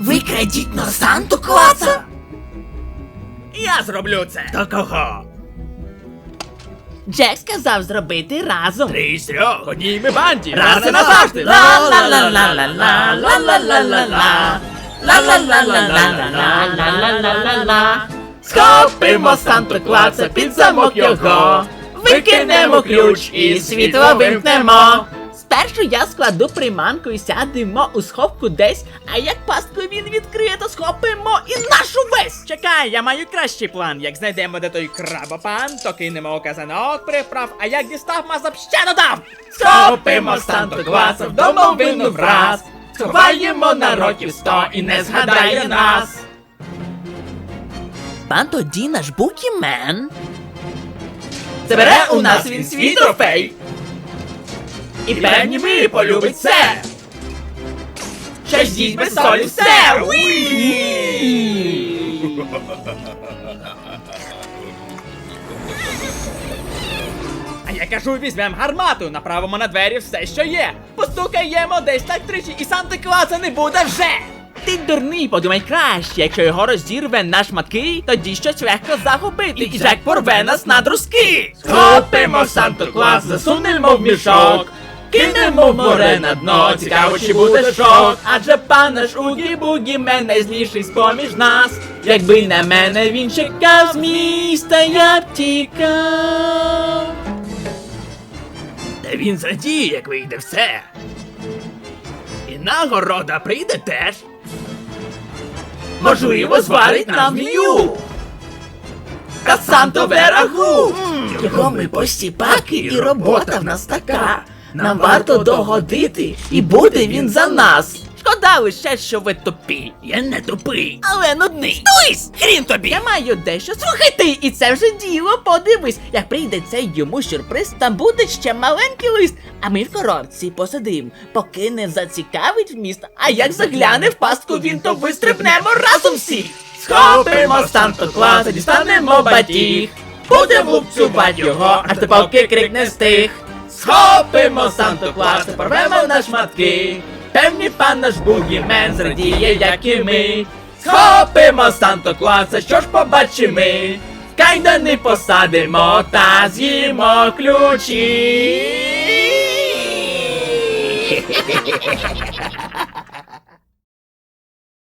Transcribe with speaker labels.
Speaker 1: Викрадіть на Санту Клауса?
Speaker 2: Я зроблю це.
Speaker 3: До кого?
Speaker 2: Джек сказав зробити разом.
Speaker 3: 3 з 3. Одній ми банді.
Speaker 2: Раз і назавжди. Ла-ла-ла-ла-ла-ла-ла-ла-ла-ла-ла. Ла-ла-ла-ла-ла-ла-ла-ла-ла-ла. Схопимо Санту Клауса під замок його. Викинемо ключ і світло вимкнемо. Спершу я складу приманку і сядемо у сховку десь, а як пастку він відкриє, то схопимо і нашу весь! Чекай, я маю кращий план. Як знайдемо де той крабопан, то кинемо казанок приправ, а як дістав мазап ще додав! Схопимо Санту Клауса в домовину враз, сховаємо на років 100 і не згадає нас. Пан тоді наш букімен забере у нас він свій трофей. І певні ви полюбить це. Ще ж їсть без солі все. А я кажу, візьмем гармату, направимо на двері все, що є. Постукаємо десь так тричі, і Санти Клауса не буде вже. Ти дурний, подумай краще. Якщо його розірве на шматки, тоді щось легко загубити, і Джек порве нас на друзки. Схопимо Санту Клауса, засунемо в мішок, кинемо в море на дно, цікаво, чи буде шок. Адже пан наш Угі-Бугі-Мен найзліший з-поміж нас. Якби на мене він чекав з міста, я б тікав.
Speaker 3: Та він зрадіє, як вийде все. І нагорода прийде теж.
Speaker 2: Можливо, зварить нам змію. Касантове рагу.
Speaker 1: Його ми постіпаки, і робота в нас така. Нам варто догодити, і буде він за нас.
Speaker 2: Шкода лише, що ви тупі.
Speaker 3: Я не тупий.
Speaker 2: Але нудний.
Speaker 1: Тусь! Хрін тобі!
Speaker 2: Я маю дещо. Слухай ти, і це вже діло. Подивись, як прийде цей йому сюрприз, там буде ще маленький лист. А ми в коробці посидим, поки не зацікавить вміст. А як загляне в пастку він, то вистрибнемо разом всі. Схопимо Санту Клауса, дістанемо батіг. Будемо лупцювати його, аж до поки крик не стих. Схопимо Санту Клауса, порвемо на шматки. Певні пан наш Бугі-Мен зрадіє, як і ми. Схопимо Санту Клауса, що ж побачимо ми. Кайдани посадимо та з'їмо ключі.